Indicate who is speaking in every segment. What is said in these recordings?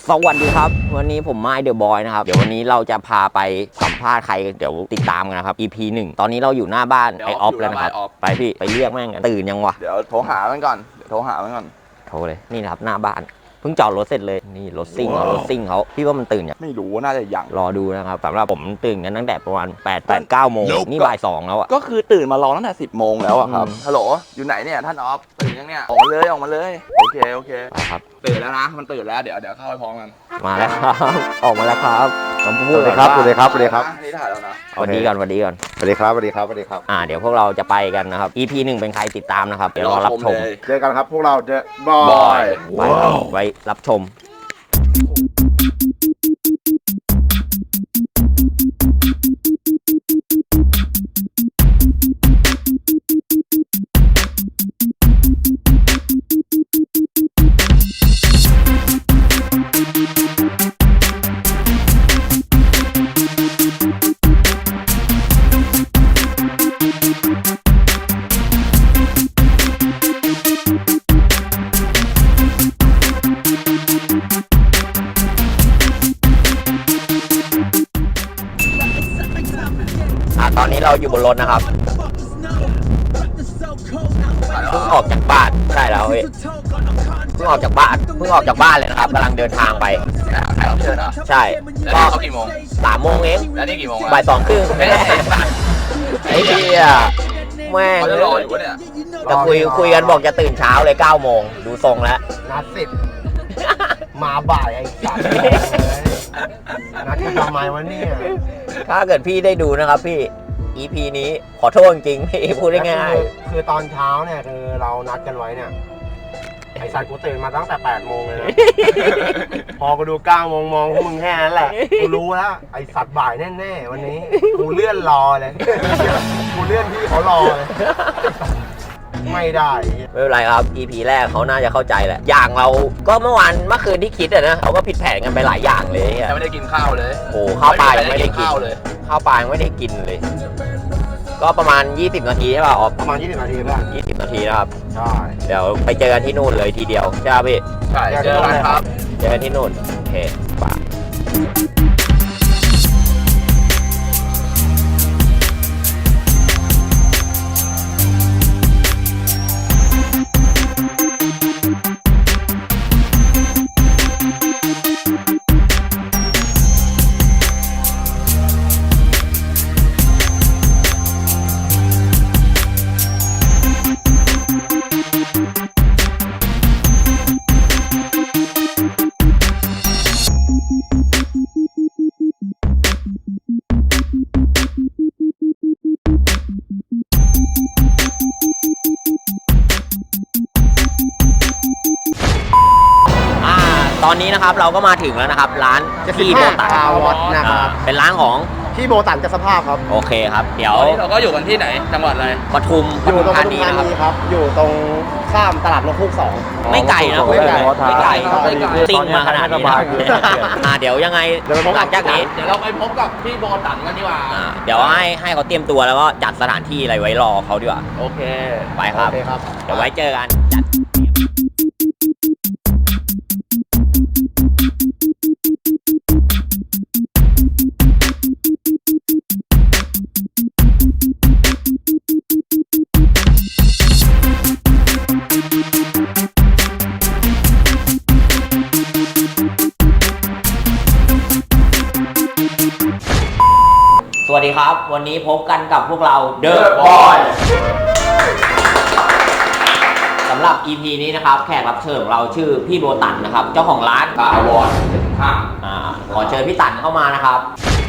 Speaker 1: สวัสดีครับวันนี้ผมไม้เดอะบอยนะครับเดี๋ยววันนี้เราจะพาไปสัมภาษณ์ใครเดี๋ยวติดตามกันนะครับ EP 1ตอนนี้เราอยู่หน้าบ้านไอออฟแล้วนะครับไปพี่ไปเรียกแม่งกันตื่นยังวะ
Speaker 2: เดี๋ยวโทรหามันก่อนโทรเลย
Speaker 1: นี่นะครับหน้าบ้านเพิ่งจอดรถเสร็จเลยนี่รถซิ่งเขาพี่ว่ามันตื่นยัง
Speaker 2: ไม่รู้น่าจะยัง
Speaker 1: รอดูนะครับสำหรับผมตื่นกันตั้งแต่ประมาณ8-9 โมงนี่บ่าย 2แล้วอ่ะ
Speaker 2: ก็คือตื่นมารอตั้งแต่10 โมงแล้วอะครับฮัลโหลอยู่ไหนเนี่ยท่านออฟตื่นยังเนี่ยออกมาเลยโอเค
Speaker 1: ไปครับ
Speaker 2: ตื่นแล้วนะมันตื่นแล้วเดี๋ยวเข้าไปพร้อมกัน
Speaker 1: มาแล้วครับออกมาแล้วครับผมพูดเลย
Speaker 3: ครับสวัสดีครับ
Speaker 2: นี่ถ่ายแล้วนะ
Speaker 1: สวัสดีก่อน
Speaker 3: สวัสดีครับ
Speaker 1: เดี๋ยวพวกเราจะไปกันนะครับ EP 1เป็นใครติดตามนะครับเดี๋ยวรอรับชม
Speaker 3: เจอกันครับพวกเราเดอะบอย
Speaker 1: ไว้รับชมตอนนี้เราอยู่บนรถนะครับเพิ่งออกจากบ้านใช่แล้วพี่เพิ่งออกจากบ้านเลยนะครับกำลังเดินทางไป
Speaker 2: ใครรับเชิญเหรอ
Speaker 1: ใช่
Speaker 2: ก็เขากี่โมง
Speaker 1: 3 โมงเอง
Speaker 2: แล้วนี่กี่โมง
Speaker 1: บ่าย 2 ครึ่งไอ้เหี้ยแม่ง
Speaker 2: เขาจะรออยู่วะเนี่ย
Speaker 1: จะคุยกันบอกจะตื่นเช้าเลย9 โมงดูทรงแล้ว
Speaker 3: นัด10มาบ่ายไอ้สัตว์นัดทำไมวะเนี่ย
Speaker 1: ถ้าเกิดพี่ได้ดูนะครับพี่ EP นี้ขอโทษจริงๆพี่พูดได้ง่าย
Speaker 3: คือตอนเช้าเนี่ยคือเรานัดกันไว้เนี่ยไอ้สัตว์กูตื่นมาตั้งแต่8 โมงเลยนะพอกูดู9 โมงมองพวกมึงแค่นั้นแหละกูรู้แล้วไอ้สัตว์บ่ายแน่ๆวันนี้กูเลื่อนรอเลยกูเลื่อนที่เขารอเลยไม่ได้
Speaker 1: ไม่เป็นไรครับ EP แรกเขาน่าจะเข้าใจแหละอย่างเราก็เมื่อคืนที่คิดอะนะเขาก็ผิดแผนกันไปหลายอย่างเลย
Speaker 2: ยังไม่ได้กินข้าวเลย
Speaker 1: โอ้ข้าวปลายังไม่ได้กินเลยข้าวปลายังไม่ได้กินเลยก็ประมาณ20 นาทีใช่ป่ะออก
Speaker 3: ประมาณ20 นาทีป่ะ
Speaker 1: 20 นาทีนะครับ
Speaker 3: ใช่
Speaker 1: เดี๋ยวไปเจอกันที่นู่นเลยทีเดียวใช่ป่ะพี่
Speaker 2: ใช่เจอกันครับ
Speaker 1: เจอกันที่นู่นโอเคป่ะตอนนี้นะครับเราก็มาถึงแล้วนะครับร้านพี่โบตัน
Speaker 3: นะครับ
Speaker 1: เป็นร้านของ
Speaker 3: พี่โบตันจะสภาพครับ
Speaker 1: โอเคครับเดี๋ยว
Speaker 2: เราก็อยู่กันที่ไหนจังหวัดอะไร
Speaker 1: ปทุม
Speaker 3: อยู่ตรงปทุมธานีครับอยู่ตรงข้ามตลาดนกฮูก2
Speaker 1: ไม่ไกลนะไม่ไกลติ้งมาขนาดนี้เดี๋ยวยังไงหลังจากนี้
Speaker 2: เดี๋ยวเราไปพบกับพี่โบตันกันดีกว่า
Speaker 1: เดี๋ยวให้เขาเตรียมตัวแล้วก็จัดสถานที่อะไรไว้รอเขาดีกว่า
Speaker 2: โอเค
Speaker 1: ไปครับเดี๋ยวไว้เจอกันจัดสวัสดีครับวันนี้พบกันกับพวกเรา The Boy สำหรับ EP นี้นะครับแขกรับเชิญของเราชื่อพี่โบตันนะครับเจ้าของร้าน
Speaker 2: ถาวร
Speaker 1: ขอเชิญพี่ตันเข้ามานะครับ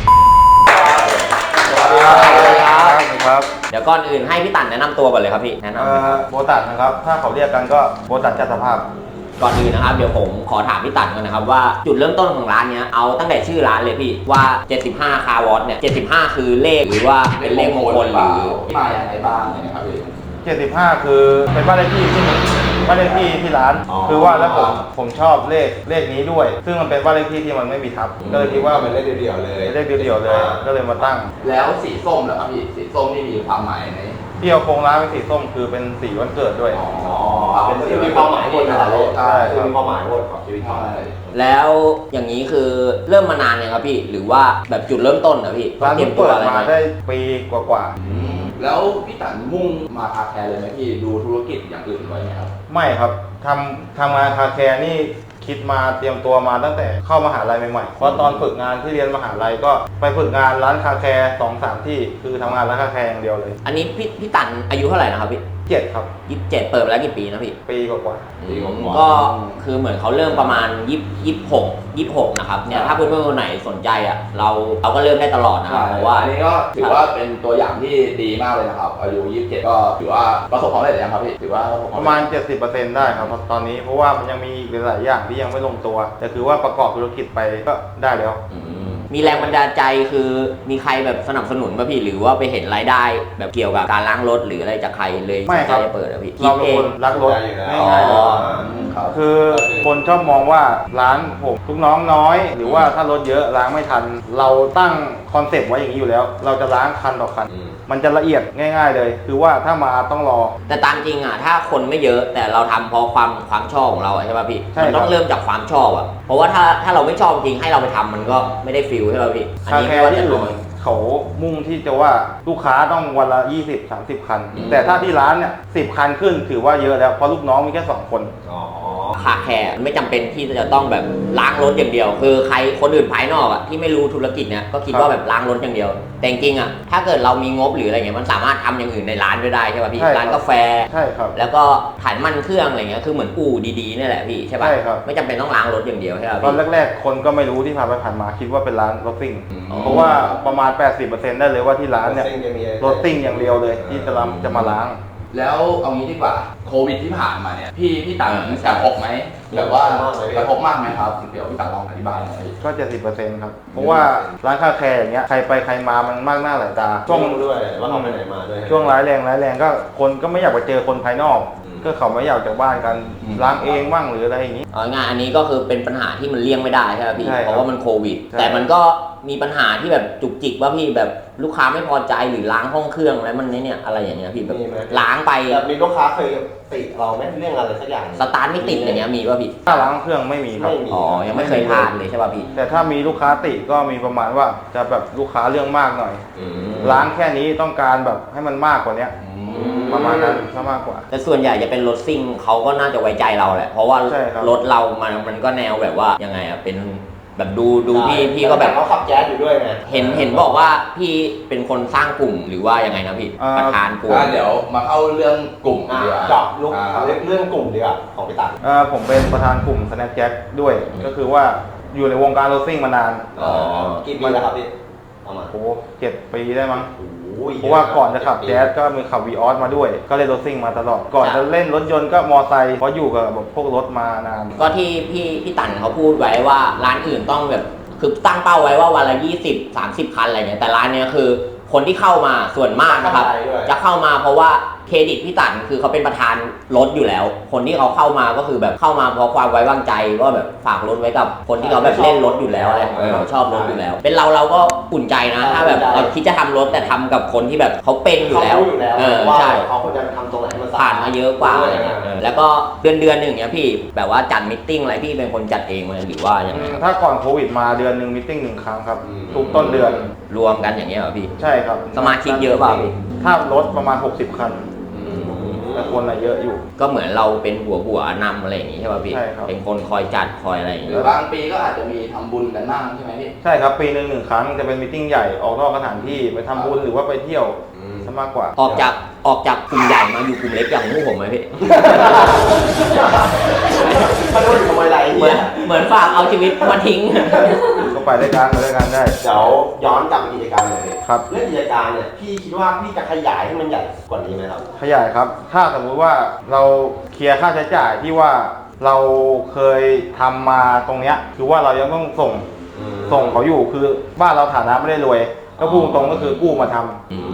Speaker 3: สวัสดีครับ
Speaker 1: เดี๋ยวก่อนอื่นให้พี่ตันแนะนำตัวก่อนเลยครับพี่แนะนำ
Speaker 3: โบตันนะครับถ้าเขาเรียกกันก็โบตันจัดสภาพ
Speaker 1: ก่อนอื่นนะครับเดี๋ยวผมขอถามพี่ตันก่อนนะครับว่าจุดเริ่มต้นของร้านเนี้ยเอาตั้งแต่ชื่อร้านเลยพี่ว่า75คาร์วอตเนี่ย75คือเลขหรือว่าเป็นเลขมงคลหรือ
Speaker 2: มาอย่างไรบ้างนะครับพี่
Speaker 3: 75คือเป็นบ้านเลขที่ที่ร้านคือว่าแล้วผมชอบเลขนี้ด้วยซึ่งมันเป็นบ้านเลขที่มันไม่มีทับก็เลยคิดว่า
Speaker 2: เป็นเลขเดียวเลย
Speaker 3: ก็เลยมาตั้ง
Speaker 2: แล้วสีส้มเหรอครับพี่สีส้มนี่มีความหมายใน
Speaker 4: ที่เอาโครงร้านเป็นสีส้มคือเป็นสีวันเกิดด้วย
Speaker 2: อ๋อ
Speaker 3: เป็นสิ่งมีความหมายหมดนะเรา
Speaker 2: ใช่
Speaker 3: คือมีความหมายหมดของชีวิตเขา
Speaker 1: แล้วอย่างนี้คือเริ่มมานานยังครับพี่หรือว่าแบบจุดเริ่มต้นนะพี่
Speaker 4: ร้าน
Speaker 1: เตรีย
Speaker 4: เพิ่
Speaker 1: ม
Speaker 4: ง
Speaker 1: ตัว
Speaker 4: เปิด
Speaker 1: อะไร
Speaker 4: มา
Speaker 1: ไหม
Speaker 4: ได้ปีกว่า
Speaker 2: แล้วพี่ตันมุ่งมาคาแคร์เลยไหมพี่ดูธุรกิจอย่างอื่นไว้ไหมครับ
Speaker 4: ๆไม่ครับทำงานคาแคร์นี่คิดมาเตรียมตัวมาตั้งแต่เข้ามหาลัยใหม่ๆเพราะตอนฝึกงานที่เรียนมหาลัยก็ไปฝึกงานร้านคาแคร์2-3 ที่คือทำงานร้านคาแคร์อย่างเดียวเลย
Speaker 1: อันนี้พี่ตันอายุเท่าไหร่นะครับพี่
Speaker 4: 7 ครับ
Speaker 1: 27เปิดมาแล้วกี่ปีนะพี่
Speaker 4: ปีกว่า
Speaker 2: ปีกว่า
Speaker 1: ก็คือเหมือนเขาเริ่มประมาณ26นะครับเนี่ยถ้าเพื่อนๆคนไหนสนใจอ่ะเราก็เริ่มได้ตลอดนะครับเพราะว่า
Speaker 2: อันนี้ก็ถือว่าเป็นตัวอย่างที่ดีมากเลยนะครับอายุ27ก็ถือว่าประสบความสำเร็จหรือยังครับพี่ถือว่าประสบ
Speaker 4: ๆ
Speaker 2: ควา
Speaker 4: ป
Speaker 2: ม
Speaker 4: ระ
Speaker 2: สำ
Speaker 4: มา
Speaker 2: เร็
Speaker 4: ณ
Speaker 2: จ
Speaker 4: 70%ได้ครับตอนนี้เพราะว่ามันยังมีอีกหลายอย่างที่ยังไม่ลงตัวแต่คือว่าประกอบธุรกิจไปก็ได้แล้ว
Speaker 1: มีแรงบันดาลใจคือมีใครแบบสนับสนุนป่ะพี่หรือว่าไปเห็นรายได้แบบเกี่ยวกับการล้างรถหรืออะไรจากใครเลย
Speaker 4: ไม่ครับ
Speaker 1: สนใจจะเปิดอะพี่
Speaker 4: เราเป็นคนรักรถ
Speaker 3: อ๋
Speaker 4: ง่าย
Speaker 1: อ๋อ
Speaker 4: ๆคือคนชอบมองว่าร้านผมลูกน้องน้อย หรือว่าถ้ารถเยอะล้างไม่ทัน เราตั้งคอนเซปต์ไว้อย่างนี้อยู่แล้ว เราจะล้างคันต่อคัน มันจะละเอียดง่าย ๆ เลย คือว่าถ้ามาต้องรอ
Speaker 1: แต่ตามจริงอ่ะถ้าคนไม่เยอะแต่เราทำเพราะความชอบของเราอะใช่ป่ะพี่
Speaker 4: ใช่
Speaker 1: มัน
Speaker 4: ครับ
Speaker 1: ต้องเริ่มจากความชอบอ่ะเพราะว่าถ้าเราไม่ชอบจริงให้เราไปทำมันก็ไม่ได้ฟิลใช่ป่ะพี่อัน
Speaker 4: คา
Speaker 1: นี้
Speaker 4: แค
Speaker 1: ไม่
Speaker 4: ร์
Speaker 1: ว่า
Speaker 4: ที่
Speaker 1: จะ
Speaker 4: อื่
Speaker 1: น้
Speaker 4: น
Speaker 1: อย
Speaker 4: เขามุ่งที่จะว่าลูกค้าต้องวันละ 20-30 คัน แต่ถ้าที่ร้านเนี่ย10 คันขึ้นถือว่าเยอะแล้วเพราะลูกน้องมีแค่2 คน
Speaker 3: อ๋อ
Speaker 1: คาแคร์ไม่จำเป็นที่จะต้องแบบล้างรถอย่างเดียว คือใครคนอื่นภายนอกอ่ะที่ไม่รู้ธุรกิจเนี่ยก็คิดว่าแบบล้างรถอย่างเดียว แต่จริงๆอ่ะถ้าเกิดเรามีงบหรืออะไรเงี้ยมันสามารถทำอย่างอื่นในร้านด้วยได้ใช่ป่ะพี่
Speaker 4: ใช่ครับ
Speaker 1: ร้านกาแฟ
Speaker 4: ใช่ครับ
Speaker 1: แล้วก็ถ่ายน้ำมันเครื่องอะไรเงี้ยคือเหมือนอู่ดีๆนี่แหละพี่ใช่ป่ะ
Speaker 4: ใช่ครับ
Speaker 1: ไม่จำเป็นต้องล้างรถอย่างเดียวใช่ป่ะ
Speaker 4: ตอน
Speaker 1: พี่
Speaker 4: แรกๆ คนก็ไม่รู้ที่ผ่านไปผ่านมาคิดว่าเป็นร้านรถซิ่ง
Speaker 1: อ๋อ
Speaker 4: เพราะว่าประมาณ 80%ได้เลยว่าที่ร้านเนี่ย
Speaker 3: ซิ่งจะมี
Speaker 4: รถซิ่งอย่างเดียวเลยที่จะมาล้าง
Speaker 2: แล้วเอางี้ดีกว่าโควิดที่ผ่านมาเนี่ยพี่ตันกระทบไหมแบบว่ากระทบมากไหมครับเดี๋ยวพี่ตันลองอธิบายหน่อย
Speaker 4: ก็ 70%ครับ เพราะว่าร้านคาแคร์อย่างเงี้ยใครไปใครมามันมากหน้าหลายตา
Speaker 3: ช่วงด้วยว่าเขาไปไหนมาด้วย
Speaker 4: ช่วงร้ายแรงก็คนก็ไม่อยากไปเจอคนภายนอก ก็เขาไม่อยากจากบ้านกันล้างเองบ้างหรืออะไรอย่างนี้
Speaker 1: เอาง่ายๆอันนี้ก็คือเป็นปัญหาที่มันเลี่ยงไม่ได้ใช่ป่ะพี่
Speaker 4: ใช่ครับ
Speaker 1: เพราะว่ามันโควิด
Speaker 4: ใช่
Speaker 1: แต่มันก็มีปัญหาที่แบบจุกจิกว่าพี่แบบลูกค้าไม่พอใจหรือล้างห้องเครื่องแล้วมันเนี่ยอะไรอย่างเงี้ยพี่แบบ
Speaker 3: มีไหม
Speaker 1: ล้างไป
Speaker 3: แบบมีลูกค้าเคยติเราไหมเรื่องอะไรสักอย่าง
Speaker 1: สตาร์ทไม่ติดอย่างเงี้ยมีป่ะพี่
Speaker 4: ถ้าล้างเครื่องไม่มีครับ
Speaker 3: ไม่มี
Speaker 1: อ๋อยังไม่เคยพลาดเลยใช่ป่ะพี่
Speaker 4: แต่ถ้ามีลูกค้าติก็มีประมาณว่าจะแบบลูกค้าเรื่องมากหน่อย ล้างแค่นี้ต้องการแบบให้มันมากกว่าเนี้ยประมาณนั้นซะมากกว่า
Speaker 1: แต่ส่วนใหญ่จะเป็นรถซิ่งเขาก็น่าจะไว้ใจเราแหละ เพราะว่า
Speaker 4: ใช่ครับ
Speaker 1: รถเรามันก็แนวแบบว่ายังไงอะเป็นแบบดูพี่ก็แบบ
Speaker 3: เขาขับแจ๊สอยู่ด้วยไง
Speaker 1: เห็นบอกว่าพี่เป็นคนสร้างกลุ่มหรือว่ายังไงนะพี่ประธานกลุ่ม
Speaker 2: เดี๋ยวมาเข้าเรื่องกลุ่มดีกว่า
Speaker 3: เจาะลุกเรื่องกลุ่มดีกว่าของพี่ตัน
Speaker 4: ผมเป็นประธานกลุ่ม Snapjack ด้วย ก็คือว่าอยู่ในวงการรถซิ่งมานาน
Speaker 1: อ๋อ
Speaker 3: กี่ปีแล้วครับพี่ประมาณ
Speaker 4: โอ้7 ปีได้มั้ง
Speaker 3: โอ้ย
Speaker 4: เพราะว่าก่อนจะขับแจ๊สก็มีขับวีออสมาด้วย ก็เล่นรถซิ่งมาตลอด ก่อนจะเล่นรถยนต์ก็มอไซค์เพราะอยู่กับแบบพวกรถมานาน
Speaker 1: ก็ที่พี่ตันเขาพูดไว้ว่าร้านอื่นต้องแบบคือตั้งเป้าไว้ว่าวันละ20-30 คันอะไรเงี้ยแต่ร้านเนี้ยคือคนที่เข้ามาส่วนมากนะครับ จะเข้ามาเพราะว่าเครดิตพี่ตันคือเขาเป็นประธานรถอยู่แล้ว คนที่เขาเข้ามาก็คือแบบเข้ามาเพราะความไว้วางใจว่าแบบฝากรถไว้กับคนที่เขาแบบเล่นรถอยู่แล้วอะไรชอบรถอยู่แล้ว เป็นเราก็อุ่นใจนะถ้าแบบเราคิดจะทำรถแต่ทำกับคนที่แบบเขาเป็นอยู่
Speaker 3: เขา
Speaker 1: แล้ว
Speaker 3: รู้อยู่แล้ว
Speaker 1: ว่า
Speaker 3: ว่า
Speaker 1: ใช่
Speaker 3: เขาควรจะทำตรงไหนให้มัน
Speaker 1: ผ่านมาเยอะกว่าอะไรเงี้ยแล้วก็เดือนหนึ่งเนี้ยพี่แบบว่าจัดมิทติ้งอะไรพี่เป็นคนจัดเองไหมหรือว่ายังไง
Speaker 4: ถ้าก่อนโควิดมาเดือนหนึ่งมิทติ้ง1 ครั้งครับ ทุกต้นเดือน
Speaker 1: รวมกันอย่างเงี้ยเหรอพี่
Speaker 4: ใช่ครับ
Speaker 1: สมาชิกเยอะเปล่าพี่
Speaker 4: ถ้ารถประมาณ60 คัน แต่คนอะเยอะอยู่
Speaker 1: ก็เหมือนเราเป็นหัวนำอะไรอย่างงี้ใช่ป่ะพี่
Speaker 4: ใช่ครับ
Speaker 1: เป็นคนคอยจัดคอยอะไรอย่าง
Speaker 2: ห
Speaker 1: งี้
Speaker 2: รือบางปีก็อาจจะมีทำบุญกันบ้างใช่ไหมพี่
Speaker 4: ใช่ครับปีหนึ่ง1 ครั้งจะเป็นมิทติ้งใหญ่ออกนอกสถานที่ไปทำบุญหรือว่าไปเที่ยวซะมากกว่า
Speaker 1: ออกจากกลุ่มใหญ่มาอยู่กลุ่มเล็กอย่างพวกผมไหมพี่
Speaker 3: เขาโดนอยู่ทำไมไร
Speaker 1: เหมือนฝากเอาชีวิตมาทิ้ง
Speaker 4: ก็ไปด้วยกันได้
Speaker 3: เดี๋ยวย้อนกลับไปกิจการเลย
Speaker 4: ครับ
Speaker 3: เรื่องกิจการเนี่ยพี่คิดว่าพี่จะขยายให้มันใหญ่กว่านี้ไหมครับ
Speaker 4: ขยายครับ ถ้าสมมุติว่าเราเคลียร์ค่าใช้จ่ายที่ว่าเราเคยทำมาตรงเนี้ยคือว่าเรายังต้องส่งเขาอยู่คือบ้านเราฐานะไม่ได้รวย ก็พูดตรงก็คือกู้มาทำ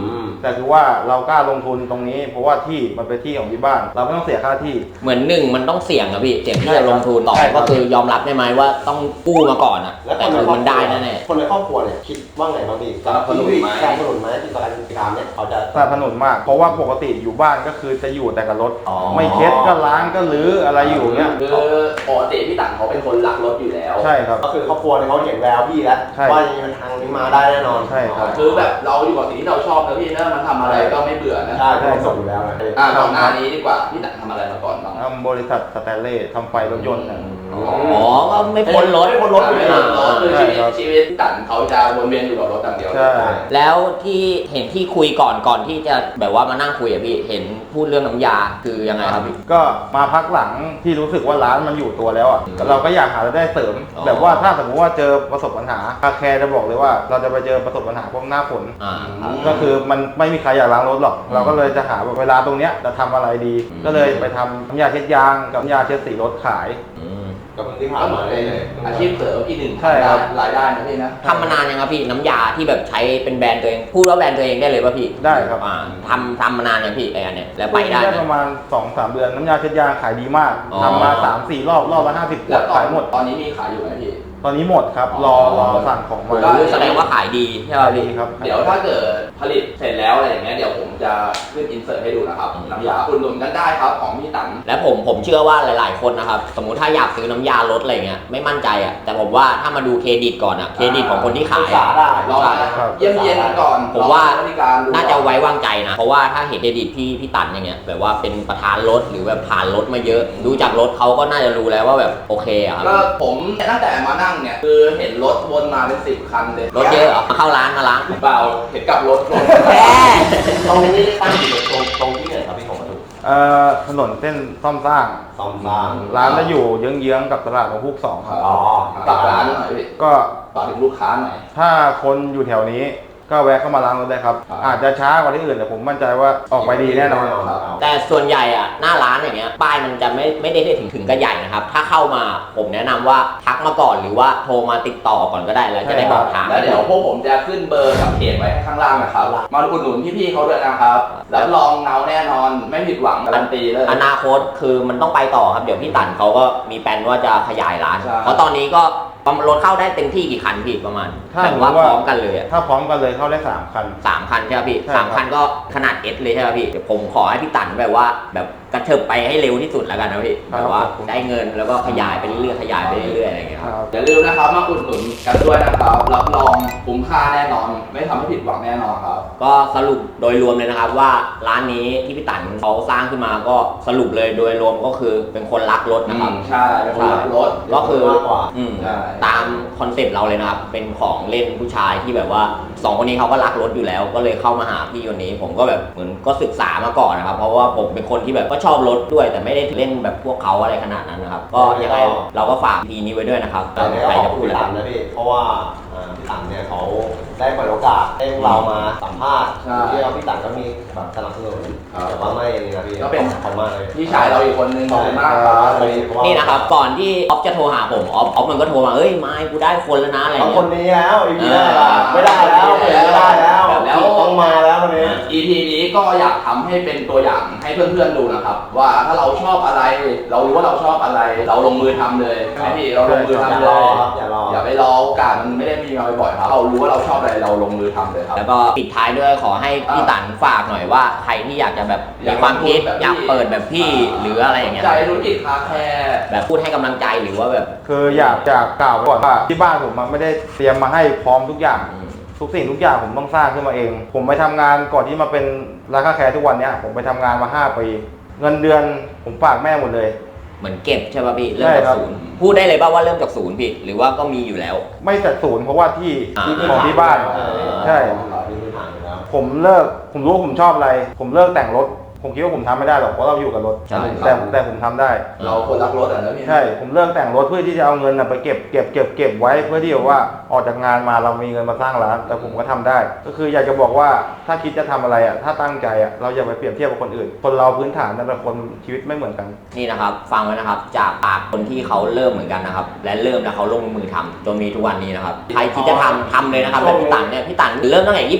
Speaker 4: แต่คือว่าเรากล้าลงทุนตรงนี้ เพราะว่าที่มันเป็นที่ของที่บ้าน เราไม่ต้องเสียค่าที่
Speaker 1: เหมือนหนึ่งมันต้องเสี่ยงอะพี่เสี่ยงที่จะลงทุนต่อ
Speaker 4: ใช่ครับ
Speaker 1: ก็คือยอมรับได้ไหมว่าต้องกู้มาก่อนอะ
Speaker 3: แล้ว
Speaker 1: แต่คือมันได้แน่
Speaker 3: คนในครอบครัวเนี่ยคิดว่าไงบ้างพี่สนับสนุนไหมที่การทำเนี่ยเขาจะ
Speaker 4: สนับสนุนมาก เพราะว่าปกติอยู่บ้านก็คือจะอยู่แต่กับรถ
Speaker 1: อ๋อ
Speaker 4: ไม่เช็ดก็ล้างก็รื้ออะไรอยู่เงี้ย
Speaker 2: คือปกติพี่ตังเขาเป็นคนรักรถอยู่แล้ว
Speaker 4: ใช่ครับ
Speaker 3: ก็คือครอบครัวเนี่ยเขาเห็นแววพี่แล้ว
Speaker 4: ใช่
Speaker 3: ว่ายังไงทางนี้มาได้แน่นอน
Speaker 4: ใช่ครับ
Speaker 2: คือแบบเราอยู่กับสิ่งที่เราชอบนะพี่นะมันทำอะไรก็ไม่เบื่อนะ
Speaker 3: ใช่เขาส่งอยู่แล้วนะ
Speaker 2: ก่อนหน้านี้ดีกว่าพี่ตังทำอะไรมาก่อนบ้าง
Speaker 4: ทำบริษัทสแตนเลสทำไฟรถยนต์นะ
Speaker 1: ๆอ๋อก็ไม่พ้นรถ
Speaker 3: ไม่พ้นรถอยู่
Speaker 2: ไม่
Speaker 3: แล้ว
Speaker 2: รถคือชีวิตพี่ตังเขาจะวนเวียนอยู่กับรถอย่างเดียว
Speaker 4: ใช่
Speaker 1: แล้วที่เห็นที่คุยก่อนที่จะแบบว่ามานั่งคุยอะพี่เห็นพูดเรื่องน้ำยาคือยังไงครับพี่
Speaker 4: ก็มาพักหลังที่รู้สึกว่าร้านมันอยู่ตัวแล้วอ่ะเราก็อยากหารายได้เสริม
Speaker 1: อ๋อ
Speaker 4: แบบว่าถ้าสมมติว่าเจอประสบปัญหาคาแคร์จะบอกเลยว่าเราจะไปเจอประสบปัญหาพวกหน้าฝน
Speaker 1: ครับ
Speaker 4: ก็คือมันไม่มีใครอยากล้างรถหรอก เราก็เลยจะหาเวลาตรงเนี้ยจะทำอะไรดี
Speaker 1: อืม
Speaker 4: ก็เลยไปทำน้ำยาเช็ดยางกับน้ำยาเช็ดสีรถขาย
Speaker 1: อืม
Speaker 3: ก็เพิ่งที่ผ่า
Speaker 2: ก็
Speaker 3: น
Speaker 2: เหมื
Speaker 3: มา
Speaker 2: อน
Speaker 3: เล
Speaker 2: เป็
Speaker 3: ย
Speaker 2: นอาชีพเสริมอีกหนึ่ง
Speaker 4: ใช่ครับ
Speaker 2: รายได้นะพี่นะ
Speaker 1: ทำมานานยังครับพี่น้ำยาที่แบบใช้เป็นแบรนด์ตัวเองพูดว่าแบรนด์ตัวเองได้เลยป่ะพี่
Speaker 4: ได้ครับ
Speaker 1: ทำมานานยังพี่ไอ้อันเนี้ยแล้วไปได้ไหม
Speaker 4: ประมาณ 2-3 เดือนน้ำยาเช็ดยางขายดีมาก
Speaker 1: อ๋อ
Speaker 4: ทำมา 3-4 รอบรอบละ50 ข
Speaker 2: แล้ว ว
Speaker 4: ดขายหมด
Speaker 2: ตอนนี้มีขายอยู่ไหมพี่
Speaker 4: ตอนนี้หมดครับ รอสั่งของมา
Speaker 2: ได้
Speaker 1: แสดงว่าขายดีใช่ป่ะ
Speaker 4: ดี
Speaker 1: พี่
Speaker 4: ครับ
Speaker 2: เดี๋ยวถ้าเกิดผลิตเสร็จแล้วอะไรอย่างเงี้ยเดี๋ยวผมจะขึ้นอินเสิร์ตให้ดูนะครับน้ำยาอุดหนุนกันได้ครับของพี่ตัง
Speaker 1: และผมเชื่อว่าหลาย ๆ คนนะครับสมมุติถ้าอยากซื้อน้ำยารถอะไรเงี้ยไม่มั่นใจอ่ะแต่ผมว่าถ้ามาดูเครดิตก่อนอ่ะเครดิตของคนที่ขาย
Speaker 3: ศึกษาได้
Speaker 2: รอ
Speaker 4: ครับ
Speaker 2: เยี่ยมๆก่อน
Speaker 1: ผมว่า
Speaker 2: บริการดู
Speaker 1: น่าจะไว้วางใจนะเพราะว่าถ้าเห็นเครดิตพี่ตันอย่างเงี้ยแบบว่าเป็นประธานรถหรือแบบผ่านรถมาเยอะดูจากรถเขาก็น่าจะรู้แล้วว่าแบบโอเคอะครับ
Speaker 2: ก็ผมตั้งแต่มานั่งเนี่ยคือเห็นรถวนมาเป็น10 คันเลย
Speaker 1: รถเยอะเหรอมาเข้าร้านมาล้าง
Speaker 2: เปล่าเห็นกับรถ
Speaker 1: แหม
Speaker 3: ตรงนี้ตั้งอยู่ตรงที่ไหนครับพี่ของประตู
Speaker 4: ถนนเส้นซ่อมสร้าง
Speaker 3: ซ่อมสร้าง
Speaker 4: ร้านจะอยู่เยื้องๆกับตลาดของพุก2ครับ
Speaker 3: อ๋อ
Speaker 2: ฝากร้านหน่อยพี่
Speaker 4: ก็
Speaker 2: ฝากถึงลูกค้าหน่อย
Speaker 4: ถ้าคนอยู่แถวนี้ก็แวะเข้ามาล้างรถได้ครับ
Speaker 2: ครับ
Speaker 4: อาจจะช้ากว่าที่อื่นแต่ผมมั่นใจว่าออกไปดีแน่นอน
Speaker 1: แต่ส่วนใหญ่อะหน้าร้านอย่างเงี้ยป้ายมันจะไม่ได้ถึงกระใหญ่นะครับถ้าเข้ามาผมแนะนำว่าทักมาก่อนหรือว่าโทรมาติดต่อก่อนก็ได้แล้วจะได้บอกทาง
Speaker 2: แล้วเดี๋ยวพวกผมจะขึ้นเบอร์กับเพจไว้ข้างล่างนะครับมาอุดหนุนพี่ๆเขาด้วยนะครับแล้วลองเงาแน่นอนไม่ผิดหวังการันตีเลย
Speaker 1: อนาคตคือมันต้องไปต่อครับเดี๋ยวพี่ตันเขาก็มีแผนว่าจะขยายร้าน
Speaker 2: ใช่
Speaker 1: เพราะตอนนี้ก็รถเข้าได้เต็มที่กี่คันพี่ประมาณ
Speaker 4: ถ้า
Speaker 1: แบบว่าพร้อมกันเลยอะ
Speaker 4: ถ้าพร้อมกันเลยเข้าได้3 คัน
Speaker 1: 3 คันใช่ไหมพี่
Speaker 4: ใช่ครับ
Speaker 1: 3 คันก็ขนาด S เลยใช่ไหมพี่เดี๋ยวผมขอให้พี่ตันแบบว่าแบบกระเถิบไปให้เร็วที่สุดแล้วกันนะพี่แบบว่าได้เงินแล้วก็ขยายไปเรื่อยๆขยายไปเรื่อยๆอะไรอย่างเงี้ยครับ
Speaker 2: อย่าลืมนะครับมาอุดหนุนกันด้วยนะครับรับรองคุ้มค่าแน่นอน ไม่ทำให้ผิดหวังแน่นอนครับ
Speaker 1: ก็สรุปโดยรวมเลยนะครับว่าร้านนี้ที่พี่ตันเขาสร้างขึ้นมาก็สรุปเลยโดยรวมก็คือเป็นคนรักรถนะครับ
Speaker 2: ใช่เป็นคนขับรถ
Speaker 1: ก็คือ
Speaker 3: มากกว่า
Speaker 2: ใช่
Speaker 1: ตามคอนเซ็ปต์เราเลยนะครับ เป็นของเล่นผู้ชายที่แบบว่า2 คนนี้เขาก็รักรถอยู่แล้ว ก็เลยเข้ามาหาพี่คนนี้ ผมก็แบบเหมือนก็ศึกษามาก่อนนะครับ เพราะว่าผมเป็นคนที่แบบก็ชอบรถด้วย แต่ไม่ได้เล่นแบบพวกเขาอะไรขนาดนั้นนะครับ ก็ยังไงเราก็ฝากพีนี้ไว้ด้วยนะครับ
Speaker 3: แต่เนี่ย
Speaker 1: ใคร
Speaker 3: ข
Speaker 1: จะ
Speaker 3: อบ
Speaker 1: พู
Speaker 3: คุ
Speaker 1: ด
Speaker 3: ณ
Speaker 1: อะไร
Speaker 3: พี่ตันนะพี่เพราะว่าพี่ตันเนี่ยเขาได้เปิดโอกาสให้พวกเรามาสัมภาษณ์
Speaker 2: ใช่
Speaker 3: ที่เราพี่ตันก็มีแบบสนับสนุน
Speaker 2: ครับ
Speaker 3: แต่ว่าไม่นี่นะพี่
Speaker 2: ก็เป็น
Speaker 3: ขอบคุณมากเลย
Speaker 2: พี่ชายเราอีกคนนึงขอบคุณมากครับ
Speaker 1: นี่นะครับ ก่อนที่ออฟจะโทรหาผมออฟมันก็โทรมาเอ้ยไม่กูได้คนแล้วนะอะไร
Speaker 3: เอา
Speaker 1: เงี้
Speaker 3: ค
Speaker 1: ย
Speaker 3: นนี้แล้วอีพีหน้าล่ะไม่ได้แล้วเปลี่ยนไม่ได้แล้ว
Speaker 2: แล้ว
Speaker 3: ต้องมาแล้วคนนี้
Speaker 2: EP นี้ก็อยากทำให้เป็นตัวอย่างให้เพื่อนๆดูนะครับ ว่าถ้าเราชอบอะไร เรารู้ว่าเราชอบอะไร เราลงมือทำเลยใช่ไหมพี่เราลงมือ
Speaker 3: อย่า
Speaker 2: ทำ
Speaker 3: ร
Speaker 2: เล
Speaker 3: อย ครับอย่ารอ
Speaker 2: อย่าไปรอโอกาสมันไม่ได้มีมาบ่อยๆครับเรารู้ว่าเราชอบอะไรเราลงมือทำเลยครับ
Speaker 1: แล้วก็ปิดท้ายด้วยขอให้พี่ตันฝากหน่อยว่าใครที่อยากจะแบบมีความคิดอยากเปิดแบบพี่หรืออะไรอย่างเงี้ย
Speaker 2: ใจธุรกิจคาแคร์
Speaker 1: แบบพูดให้กำลังใจหรือว่าแบบ
Speaker 4: คืออยากจะกล่าวไว้ก่อนว่าที่บ้านผมมันไม่ได้เตรียมมาให้พร้อมทุกอย่าง ทุกสิ่งทุกอย่างผมต้องสร้างขึ้นมาเอง ผมไปทำงานก่อนที่มาเป็นร้านคาแคร์ทุกวันเนี้ยผมไปทำงานมา5 ปี เงินเดือนผมฝากแม่หมดเลย
Speaker 1: เหมือนเก็บใช่ป่ะพี่เริ่ม
Speaker 4: ใช่
Speaker 1: จาก
Speaker 4: ครับ
Speaker 1: ศูนย์พูดได้เลยป่ะว่าเริ่มจากศูนย์พี่หรือว่าก็มีอยู่แล้ว
Speaker 4: ไม่แต่ศูนย์เพราะว่าที่
Speaker 1: อ่า
Speaker 4: ของที่บ้าน ใช่
Speaker 3: มีพื้นฐานอยู่แล้ว
Speaker 4: ผมรู้ว่าผมชอบอะไร ผมเลิกแต่งรถ ผมคิดว่าผมทำไม่ได้หรอกเพราะเราอยู่กับรถ
Speaker 1: ใช่
Speaker 4: แต่ผมทำได้
Speaker 2: เราคนรักรถอ่ะนะพี่
Speaker 4: ใช่ ผมเลิกแต่งรถเพื่อที่จะเอาเงินน่ะไปเก็บไว้เพื่อที่ว่าออกจากงานมาเรามีเงินมาสร้างร้าน แต่ผมก็ทำได้ ก็คืออยากจะบอกว่าถ้าคิดจะทำอะไรอ่ะถ้าตั้งใจอ่ะเราอย่าไปเปรียบเทียบกับคนอื่น คนเราพื้นฐานแต่ละคนชีวิตไม่เหมือนกัน
Speaker 1: นี่นะครับฟังไว้นะครับจากปากคนที่เขาเริ่มเหมือนกันนะครับและเริ่มแล้วเขาลงมือทำจนมีทุกวันนี้นะครับใครคิดจะทำเลยนะครับแล้วพี่ตันเนี่ยพี่ตันเริ่มตั้งแต่26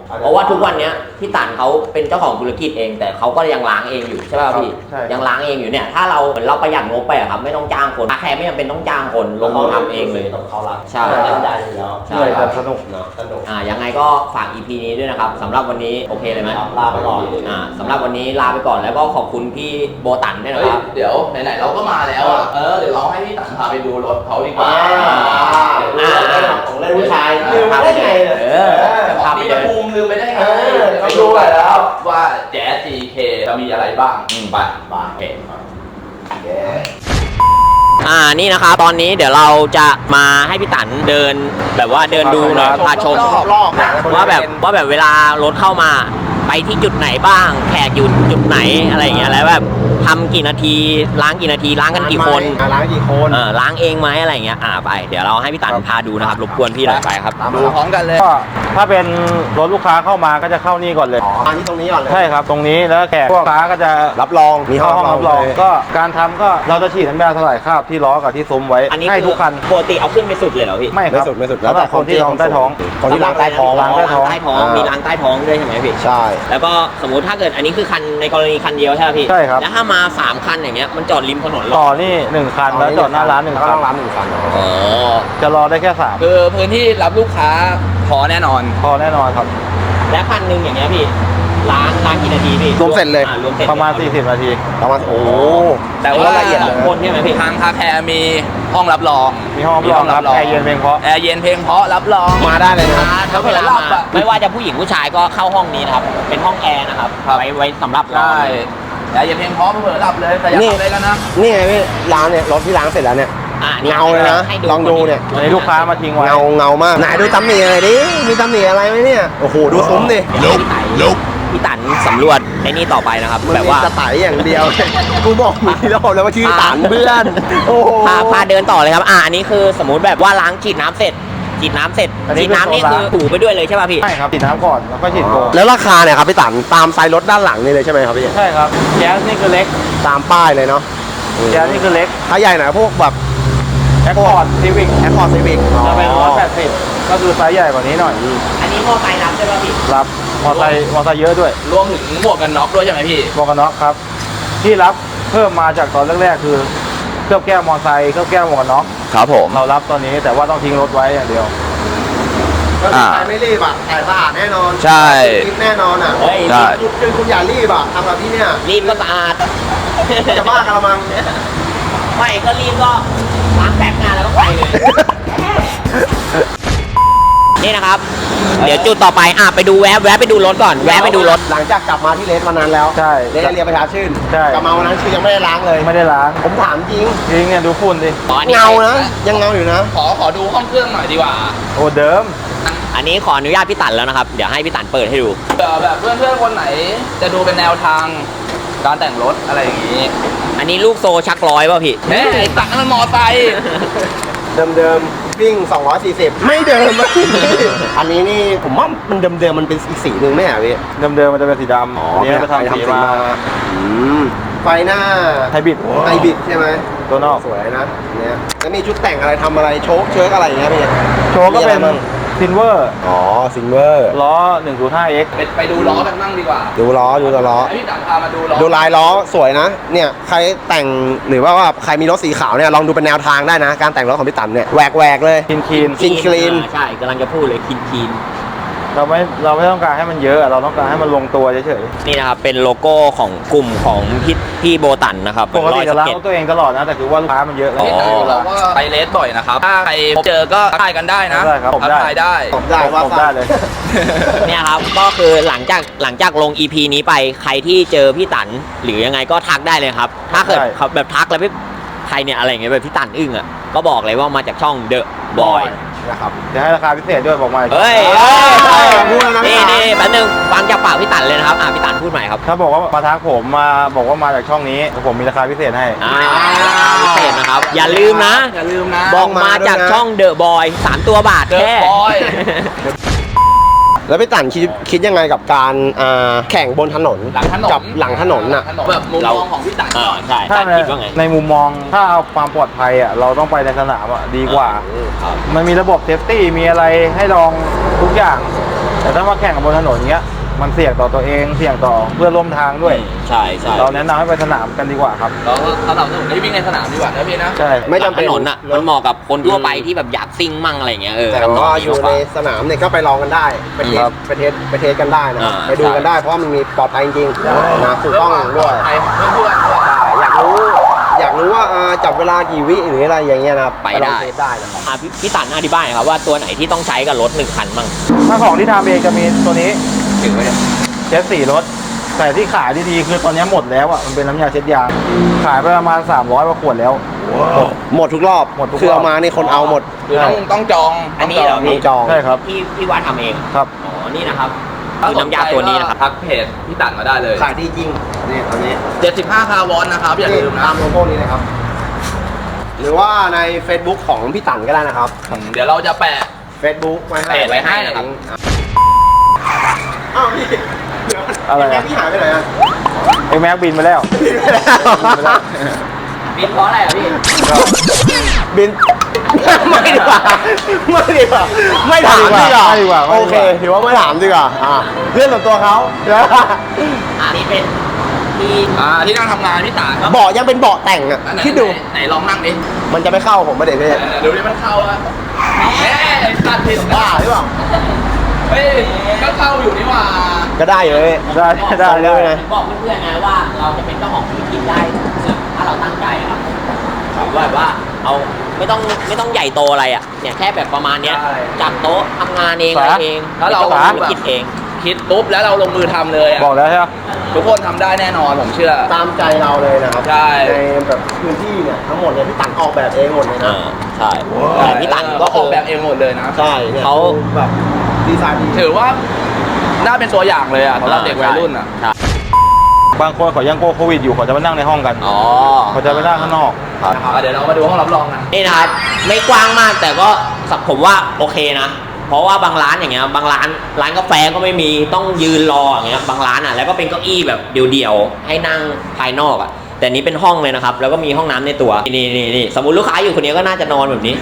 Speaker 1: เพราะว่าทุกวันเนี้ยพี่ตันเขาเป็นเจ้าของธุรกิจเองแต่เขาก็ยังล้างเองอยู่ใช่ป่ะพี่ยังล้างเองอยู่เนี่ยถ้าเราเหมือนเราประหยัดงบไปอะครับไม่ต้องจ้างคนแค่ไม่จำเป็นต้องจ้างคนลงมือทำเองเลย
Speaker 3: เขารัก
Speaker 1: ใช่
Speaker 3: เล่นได้อยู่แล้ว
Speaker 1: ใช่
Speaker 4: เหนื่อยแต่สนุก
Speaker 3: เนาะสนุก
Speaker 1: ยังไงก็ฝาก EP นี้ด้วยนะครับสำหรับวันนี้โอเคเลยไหม
Speaker 3: ลาไปก่อน
Speaker 1: สำหรับวันนี้ลาไปก่อนแล้วก็ขอบคุณพี่โบตันด้วยนะ
Speaker 2: เฮ้ย
Speaker 1: ครับ
Speaker 2: เดี๋ยวไหนๆเราก็มาแล้วอ่ะเดี๋ยวเราให้พี่ตังพาไปดูรถเขาดีกว่า
Speaker 3: ของเล่นผู้ชายลืมมาได้ไงเนี่ย
Speaker 1: พาไป
Speaker 2: มี
Speaker 1: เดิน
Speaker 2: ภูมิลืมไปได้ไง
Speaker 3: ไปดูหน่อยแล้ว
Speaker 2: ว่าแจ๊ส GK จะมีอะไรบ้างไป
Speaker 1: โอเคนี่นะครับตอนนี้เดี๋ยวเราจะมาให้พี่ตันเดินแบบว่าเดินดูหน่อยพาชม
Speaker 3: รอบๆ
Speaker 1: ว่าแบบเวลารถเข้ามาไปที่จุดไหนบ้าง แขกอยู่จุดไหนอะไรอย่างเงี้ยแล้วแบบทำกี่นาทีล้างกี่นาทีล้างกันกี่คน
Speaker 3: ล้างกี่คน
Speaker 1: ล้างเองไหมอะไรอย่างเงี้ยไปเดี๋ยวเราให้พี่ตันพาดูนะครับรบกวนพี่หน่อยไปครับ
Speaker 2: ดูพร้อมกันเลย
Speaker 4: ก็ถ้าเป็นรถลูกค้าเข้ามาก็จะเข้านี่ก่อนเลย
Speaker 3: มาที่ตรงนี้ก่อนเลย
Speaker 4: ใช่ครับตรงนี้แล้วแขกพวกลูกค้าก็จะ
Speaker 3: รับรองมีห้
Speaker 4: เข้า
Speaker 3: อง
Speaker 4: ห้องรับรองก็การทำก็เราจะฉีดน้ำยาสลายคราบที่ล้อกับที่ซุ้มไว้
Speaker 1: อันนี้
Speaker 4: ให้ทุกคัน
Speaker 1: ปกติเอาขึ้นไปสุดเลยเหรอพี่
Speaker 4: ไม่ครับ
Speaker 3: ไม่สุด
Speaker 4: แล้วแต่คนที่ท้องใต้ท้อง
Speaker 3: คนที่ล้างใต้ท้อง
Speaker 4: ล้างใต้ท้อง
Speaker 1: มีล้างใต้ท้องด้วยใช่ไหมพี่
Speaker 3: ใช่
Speaker 1: แล้วก็สมมุติถ้าเกิดอันนี้คือคันในกรณีคันเดียวใช่ไหมพี่
Speaker 4: ใช่ครับ
Speaker 1: แล้วถ้ามา3คันอย่างเงี้ยมันจอดริมถนนหร
Speaker 4: ต่
Speaker 1: อ
Speaker 4: อนี่1คันแล้วจอดหน้าร้าน1คัน
Speaker 3: ต้องร้าน1คัน
Speaker 1: อ๋อ
Speaker 4: จะรอได้แค่3
Speaker 2: คือพื้นที่รับลูกค้าพอแน่นอน
Speaker 4: พอแน่นอนครับ
Speaker 1: และคันหนึ่งอย่างเงี้ยพี่ล้างกี่นาทีพี่
Speaker 3: รวมเสร็จเลย
Speaker 1: รวมเสร็จ
Speaker 4: ประมาณ40นาที
Speaker 3: ประมาณโอ้
Speaker 2: แต่ว่า
Speaker 3: ละเอียด
Speaker 1: สองคนใช่ไหมพี่
Speaker 2: ทางคาแคร์มีห้องรับรอง
Speaker 4: มีห้องรับรองครับแอร์เย็นเพียงเพราะ
Speaker 2: แอร์เย็นเพลงเพราะรับรอง
Speaker 3: มาได้เลยนะ
Speaker 1: ถ้าเวลามาไม่ว่าจะผู้หญิงผู้ชายก็เข้าห้องนี้นะครับ เป็นห้องแอร์นะครับ ไว้สำหรับเรา
Speaker 2: ได้แอร์เย็นเพลงเพราะเผื่อหลับเลยแต่อย่า
Speaker 3: นี่
Speaker 2: ทำอะไรกันนะ
Speaker 3: นี่ไงพี่ร้านเนี่ยรถที่ล้างเสร็จแล้วเนี่ย
Speaker 1: นี่
Speaker 3: เงาเลยนะ
Speaker 1: ให้
Speaker 3: ลองดูเนี่ย
Speaker 4: อันนี้ลูกค้ามาทิ้งไว้
Speaker 3: เงามากไหนดูตำหนิอะไรดิมีตำหนิอะไรไหมเนี่ยโอ้โหดูซุ้มดิ
Speaker 1: พี่ตันสำรวจในนี่ต่อไปนะครับ
Speaker 3: มัน
Speaker 1: แบบ
Speaker 3: มี
Speaker 1: ว่า
Speaker 3: สไตล์อย่างเดียว กูบอกมึงที่รอบแล้วว่าชื่อตันเพื่อนโอ้โห
Speaker 1: พาเดินต่อเลยครับอันนี้คือสมมุติแบบว่าล้างฉีดน้ำเสร็จฉีดน้ำนี่คือถูไปด้วยเลยใช่ป่ะพี่
Speaker 4: ใช่ครับฉีดน้ำก่อนแล้วก็ฉีดโฟม
Speaker 3: แล้วราคาเนี่ยครับพี่ตันตามไซส์รถด้านหลังนี่เลยใช่ไหมครับพี่
Speaker 4: ใช่ครับแก๊สนี่คือเล็ก
Speaker 3: ตามป้ายเลยเนาะ
Speaker 4: แก๊สนี่คือเล็ก
Speaker 3: ถ้าใหญ่หน่อยพวกแบบ
Speaker 4: แอคคอร์ดซีวิก
Speaker 3: แอคคอร์ดซีวิก
Speaker 4: จะเป็น180ก็คือไซส์ใหญ่กว่านี้หน่อย
Speaker 1: อันนี้มอไซค์รับใช่ป่ะพี่
Speaker 4: รับมอไซค์เยอะด้วย
Speaker 2: รวมถึงหมวกกันน็อกด้วยใช่ไหมพี่
Speaker 4: หมวกกันน็อกครับ ที่รับเพิ่มมาจากตอนแรกๆคือเคลือบแก้วมอไซค์เคลือบแก้วหมวกกันน็อก
Speaker 2: ครับผม
Speaker 4: เรารับตอนนี้แต่ว่าต้องทิ้งรถไว้อย่างเดียว
Speaker 3: ก็คือใครไม่รีบอ่ะแต่สะอาดแน่นอน
Speaker 2: ใช่
Speaker 3: รีบแน่นอนอ่ะ
Speaker 1: เฮ้ย
Speaker 2: ใช่
Speaker 3: คือคุณอย่ารีบอ่ะทำแบบที่เนี่ย
Speaker 1: รีบก็สะอาด
Speaker 3: จะบ้ากันละมัง
Speaker 1: ไม่ก็รีบก็ล้างแป๊บงานแล้วก็ไปเลย นี่นะครับ เดี๋ยวจุดต่อไปไปดูแวะไปดูรถก่อนแวะไปดูรถ
Speaker 3: หลังจากกลับมาที่เลสวันนั้นแล้ว
Speaker 4: ใช่
Speaker 3: เลสเรียนประชาชื่น
Speaker 4: ใช่
Speaker 3: กลับมาวันนั้นคือยังไม่ได้ล้างเลย
Speaker 4: ไม่ได้ล้าง
Speaker 3: ผมถามจริง
Speaker 4: จริงเนี่ยดูฝุ่นดิ
Speaker 3: เงานะ ยังเงาอยู่นะ
Speaker 2: ขอดูห้องเครื่องหน่อยดีกว่า
Speaker 4: โอ้เดิม
Speaker 1: อันนี้ขออนุญาตพี่ตันแล้วนะครับ เดี๋ยวให้พี่ตันเปิดให้ดู
Speaker 2: แบบเพื่อนๆคนไหน จะดูเป็นแนวทางการแต่งรถอะไรอย่างนี้
Speaker 1: อันนี้ลูกโซชักร้อยป่ะพี่
Speaker 2: เฮ้ยไอ้ตังนั้นมันมอไซค์
Speaker 3: เดิมๆวิ่ง 240 ไม่เดิมอะอันนี้นี่ผมว่ามันเดิมๆมันเป็นอีกสีหนึ่งไหมอ่ะพี่
Speaker 4: เดิมๆมันจะเป็นสีดำอันนี้จะทำสีมา
Speaker 3: ไฟหน้า
Speaker 4: ไฮบริด
Speaker 3: ไฮบริดใช่ไหม
Speaker 4: ตัวนอก
Speaker 3: สวยนะเนี่ยแล้วมีชุดแต่งอะไรทำอะไรโชคเชิร์กอะไรอย่างเงี้ยพี่
Speaker 4: โชว์ก็เป็น
Speaker 3: มีอะไรบ้าง
Speaker 4: ซินเวอร์
Speaker 3: อ๋อซิงเวอร์
Speaker 4: ล้อ 105X
Speaker 2: ไปดูล้อกันบ้างดีกว่า
Speaker 3: ดูล้อดูตัวล้อ
Speaker 2: ให้พี่ตังพามาดูล้อ
Speaker 3: ดูลายล้อสวยนะ เนี่ยใครแต่งหรือว่าใครมีรถสีขาวเนี่ยลองดูเป็นแนวทางได้นะ การแต่งรถของพี่ตันเนี่ยแหวกเลย
Speaker 4: คิน
Speaker 3: clean
Speaker 1: ใช่กำลังจะพูดเลยคีน
Speaker 4: เราไม่ต้องการให้มันเยอะเราต้องการให้มันลงตัวเฉย
Speaker 1: นี่นะครับเป็นโลโก้ของกลุ่มของพี่โบตันนะครับ
Speaker 4: ๆปกติจะล้าง
Speaker 1: เก็ต
Speaker 4: รถตัวเองตลอดนะแต่คือว่าลูกค้ามันเยอะ
Speaker 2: พี่ตังเราก็ไปเลสบ่อยนะครับ ถ้าใครพบเจอก็ทักทายกันได้นะ
Speaker 4: ได้ครับผมได้
Speaker 2: ทักทายได้
Speaker 3: ผมได้ว่า
Speaker 4: ผมได้เลย
Speaker 1: เนี่ยครับก็คือหลังจากลง EP นี้ไปใครที่เจอพี่ตันหรือยังไงก็ทักได้เลยครับ ถ้าเกิด
Speaker 4: ได้
Speaker 1: เขาแบบทักแล้วพี่ใครเนี่ยอะไรอย่างเงี้ยแบบพี่ตันอึ้งอ่ะก็บอกเลยว่ามาจากช่อง The Boy
Speaker 3: นะครับ
Speaker 4: จะให้ราคาพิเศษด้วยบอกมาอีก
Speaker 1: เฮ้ย
Speaker 3: พูดแล้วนะ
Speaker 1: นี่แป๊บนึงฟังจากปากพี่ตันเลยนะครับพี่ตันพูดใหม่ครับ
Speaker 4: ถ้าบอกว่ามาทักผมมาบอกว่ามาจากช่องนี้ผมมีราคาพิเศษให้
Speaker 1: พิเศษนะครับ อย่าลืมนะ
Speaker 2: อย่าลืมนะ
Speaker 1: บอกมาจากช่อง The Boy 3 ตัวบาท
Speaker 2: เดอะ
Speaker 1: แค่
Speaker 2: บอย
Speaker 3: แล้วพี่ตันคิดยังไงกับการแข่งบนถนน
Speaker 2: หลังถนน
Speaker 3: กับหลังถนนน่ะ
Speaker 2: แบบมุมมองของพี่ตัน
Speaker 1: ใช่
Speaker 4: ถ้า
Speaker 1: ตันคิดว่าไง
Speaker 4: ในมุมมองถ้าเอาความปลอดภัยอ่ะเราต้องไปในสนามอ่ะดีกว่า
Speaker 1: ครับ
Speaker 4: มันมีระบบเซฟตี้มีอะไรให้ลองทุกอย่าง แต่ถ้ามาแข่งกับบนถนนเงี้ยมันเสี่ยงต่อตัวเองเสี่ยงต่อเพื่อนร่วมทางด้วย
Speaker 1: ใช่ใช่
Speaker 4: เราแนะนำให้ไปสนามกันดีกว่าครับ
Speaker 2: เราถ้าเราได้วิ่งในสนามดีกว่านะพี่นะ
Speaker 4: ใช่
Speaker 3: ไม่จำเป็น
Speaker 1: ถนนอ่ะมันเหมาะกับคนทั่วไปที่แบบอยากซิ่งมั่งอะไรเงี้ย
Speaker 3: แต่
Speaker 1: ทำนง
Speaker 3: ว่า
Speaker 1: นี้
Speaker 3: อยู่
Speaker 1: มากก
Speaker 3: ใน
Speaker 1: ว่า
Speaker 3: สนามเนี่ยก็ไปลองกันได้ไปเทส
Speaker 4: ครับ
Speaker 3: ไปเทสกันได้นะครับ
Speaker 1: อ่า
Speaker 3: ไปดูกันได้เพราะว่ามันมีปลอดภัยจริงๆนะถูกต้องด้วย
Speaker 2: ไปเพื่อนๆด้วย
Speaker 3: ใช่อยากรู้ว่าจับเวลากี่วิหรืออะไรอย่างเงี้ยนะครับ
Speaker 1: ไป
Speaker 3: ลอง
Speaker 1: ได้
Speaker 3: เทสได้นะครับ
Speaker 1: พี่ตันอธิบายหน่อยครับว่าตัวไหนที่ต้องใช้กับรถ1 คันมั่ง
Speaker 4: ถ้าของที่ทำเองจะมีตัวนี้
Speaker 2: ถึงไว้เนี่ย
Speaker 4: เช็ดสีรถแต่ที่ขายดีๆคือตอนนี้หมดแล้วอ่ะมันเป็นน้ำยาเช็ดยางขายไปประมาณ300กว่าขวดแล้ว
Speaker 3: หมดทุกรอบ
Speaker 4: หมดทุกรอบ
Speaker 3: คือเอามานี่คนเอาหมด
Speaker 2: คือต้องจอง
Speaker 1: อันนี้เหรอ
Speaker 3: มีจอง
Speaker 4: ใช่ครับ
Speaker 1: พี่ว่าทำเอง
Speaker 4: ครับ
Speaker 1: อ๋อนี่นะครับคือน้ำยาตัวนี้นะครับ
Speaker 2: ทักเพจพี่ตันมาได้เลย
Speaker 3: ขายดีจริงนี่ตัวนี้
Speaker 2: 75 คาร์บอนนะครับอย่าลืมนะ
Speaker 3: ตามโลโก้นี้นะครับ หรือว่าใน Facebook ของพี่ตันก็ได้นะครับ
Speaker 2: เดี๋ยวเราจะแปะ
Speaker 3: Facebook ไว้ให้
Speaker 2: เพจไว้ให้นะครับ
Speaker 3: อ้าวพี่เดี๋ยว
Speaker 4: อะไรอะ
Speaker 3: แม่พี่หายไปไหนอ่ะ
Speaker 4: ไอ้แม็กบินไปแล้ว
Speaker 3: บินไปแล้ว
Speaker 1: บินเพราะอะไรอ่ะพี่
Speaker 3: บินไม่ดีกว่าไม่ถามดีกว่า
Speaker 4: ไม่ดีกว่า
Speaker 3: โอเคถือว่าไม่ถามดีกว่าเพื่อนส่วนตัวเขา
Speaker 1: อันนี้เป็นที่
Speaker 2: ที่นั่งทำงานพี่ตัน
Speaker 3: เบาะยังเป็นเบาะแต่งอ่ะ
Speaker 2: ไหน
Speaker 3: คิดดู
Speaker 2: ไหนลองนั่งดิ
Speaker 3: มันจะไม่เข้าผมไม่เด็ดเลย
Speaker 2: ดูดิมันเข้าอะแหมตัดผิด
Speaker 3: บ้าหรือเปล่า
Speaker 2: เฮ้ยก็เข้าอยู่นี่หว่า
Speaker 3: ก็ได้เลย
Speaker 4: ได้ได้
Speaker 3: ได้
Speaker 4: ได้
Speaker 1: บอกเพื่อนๆนะว่าเราจะเป็นเจ้าของธุรกิจได้ถ้าเราตั้งใจครับหรือว่าแบบว่าเอาไม่ต้องใหญ่โตอะไรอ่ะเนี่ยแค่แบบประมาณเนี้ยจัดโต๊ะทำงานเองอะไรเอง
Speaker 2: ถ้าเรา
Speaker 1: เป็นจ้ของธุรกิจเอง
Speaker 2: คิดปุ๊บแล้วเราลงมือทำเลยอะ
Speaker 4: บอกแล้วใช่ไหม
Speaker 2: ทุกคนทำได้แน่นอนผมเชื่อ
Speaker 3: ตามใจเราเลยนะครับ
Speaker 2: ใช่
Speaker 3: ในแบบพื้นที่เนี่ยทั้งหมดเลยพี่ตันออกแบบเองหมดเลยนะ
Speaker 1: ใช่แต่พี่ตัน
Speaker 2: ก็
Speaker 1: ก็
Speaker 2: อ
Speaker 1: คือ อก
Speaker 2: แบบเองหมดเลยนะ
Speaker 3: ใช่เนี่ย
Speaker 1: เขา
Speaker 3: แบบดีไซน์ดี
Speaker 2: ถือว่าน่าเป็นตัวอย่างเลยอะสำหรับเด็กวัยรุ่นอะ
Speaker 1: ใช่
Speaker 4: บางคนเขายังกลัวโควิดอยู่เขาจะมานั่งในห้องกัน
Speaker 1: อ๋อ
Speaker 4: เขาจะไปนั่งข้างนอก
Speaker 2: เดี๋ยวเรามาดูห้องรับรองกัน
Speaker 1: นี่นะครับไม่กว้างมากแต่ก็ผมว่าโอเคนะ เพราะว่าบางร้านอย่างเงี้ยบางร้านกาแฟก็ไม่มีต้องยืนรออย่างเงี้ยบางร้านอ่ะแล้วก็เป็นเก้าอี้แบบเดี่ยวๆให้นั่งภายนอกอ่ะแต่นี้เป็นห้องเลยนะครับแล้วก็มีห้องน้ำในตัวนี่สมมุติลูกค้าอยู่คนนี้ก็น่าจะนอนแบบนี้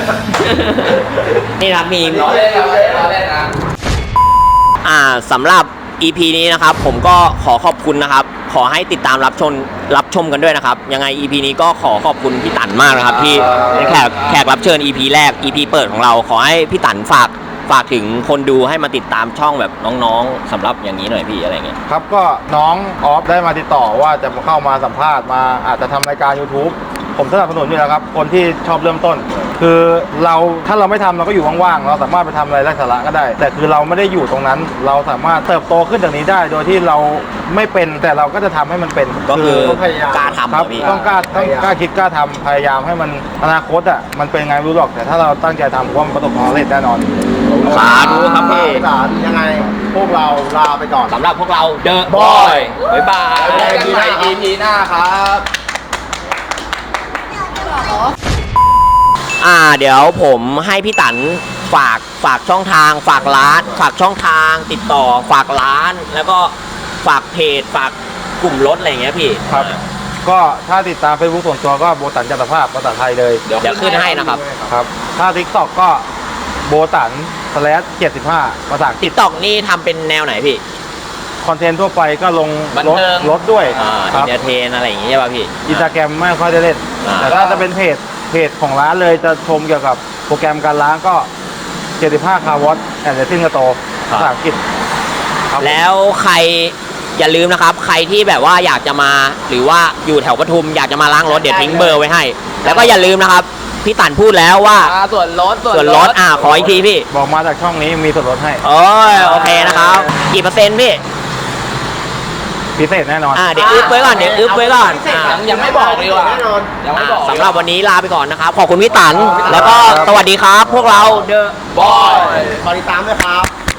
Speaker 1: นี่นะครับมี
Speaker 2: ล้อเล่นนะ
Speaker 1: สำหรับ EP นี้นะครับผมก็ขอขอบคุณนะครับขอให้ติดตามรับชมกันด้วยนะครับยังไง EP นี้ก็ขอขอบคุณพี่ตันมากนะครับที่เป็นแขกรับเชิญ EP แรก EP เปิดของเราขอให้พี่ตันฝากถึงคนดูให้มาติดตามช่องแบบน้องๆสำหรับอย่างนี้หน่อยพี่อะไรเงี้ย
Speaker 4: ครับก็น้องออฟได้มาติดต่อว่าจะมาเข้ามาสัมภาษณ์มาอาจจะทำรายการ YouTube ผมสนับสนุนอยู่แล้วครับคนที่ชอบเริ่มต้น คือถ้าเราไม่ทำเราก็อยู่ว่างๆเราสามารถไปทำอะไรไร้สาระก็ได้ แต่คือเราไม่ได้อยู่ตรงนั้น เราสามารถเติบโตขึ้นจากนี้ได้ โดยที่เราไม่เป็นแต่เราก็จะทำให้มันเป็น
Speaker 1: ก็คือ
Speaker 3: ต้องพยายาม
Speaker 1: กล้าทำ
Speaker 4: ครับ
Speaker 1: พี่
Speaker 4: ต้องกล้าคิดกล้าทำพยายามให้มันอนาคตอ่ะมันเป็นไงไม่รู้หรอกแต่ถ้าเราตั้งใจทำผมว่ามันประสบความสำเร็จแน่นอน
Speaker 1: สาธุครับพี่
Speaker 3: พี่ตันยังไงพวกเราลาไปก่อน
Speaker 1: สำหรับพวกเราเดอะบ
Speaker 3: Boy
Speaker 1: อยบ๊ายบาย
Speaker 2: เจอกันใหม่ EP หน้าครับ
Speaker 1: เดี๋ยวผมให้พี่ตันฝากช่องทางฝากร้านฝากช่องทางติดต่อฝากร้าน แล้วก็ฝากเพจฝากกลุ่มรถอะไรอย่างเงี้ยพี่
Speaker 4: ครับ ก็ถ้าติดตาม Facebook ส่วนตัวก็โบตันจัตภาพภาษาไทยเลย
Speaker 1: เดี๋ยวขึ้นให้นะครับ
Speaker 4: ครับถ้า TikTok ก็โบตัน/75ภาษาอังกฤ
Speaker 1: ติ๊
Speaker 4: ษ
Speaker 1: กต็อกนี่ทำเป็นแนวไหนพี่
Speaker 4: คอนเทนต์ทั่วไปก็ลง
Speaker 2: บันเทิง
Speaker 4: รถด้วย
Speaker 1: อิ
Speaker 4: ครั
Speaker 1: น
Speaker 4: บ
Speaker 1: เตอร์เทนอะไรอย่างเงี้ยใช่ป่ะพี่
Speaker 4: อินสตาแกรมไม่ค่อยได้เล่น แต่ถ้าจะเป็นเพจของร้านเลยจะชมเกี่ยวกับโปรแกรมการล้างก็ 75 คาร์วอตแอนด์ซิ่งกระโตภาษาอังกฤษครับ
Speaker 1: แล้วใครอย่าลืมนะครับ ใครที่แบบว่าอยากจะมาหรือว่าอยู่แถวปทุมอยากจะมาล้างรถเดี๋ยวทิ้งเบอร์ไว้ให้ แล้วก็อย่าลืมนะครับพี่ตันพูดแล้วว่า
Speaker 2: ส่วนลด
Speaker 1: ส่วนลดขออีกทีพี่
Speaker 4: บอกมาจากช่องนี้มีส่วนลดให้
Speaker 1: โอ้ยโอเคนะครับกี่เปอร์เซ็นต์พี่
Speaker 4: พิเศษแน่นอน
Speaker 1: เดี๋ยวอึ๊บไว้ก่อน
Speaker 2: ยังไม่บอกดีกว่ายังไม่บอก
Speaker 1: สำหรับวันนี้ลาไปก่อนนะครับ ขอบคุณพี่ตัน แล้วก็สวัสดีครับ พวกเราเดอะ
Speaker 2: บอย
Speaker 3: ขอติดตามด้วยครับ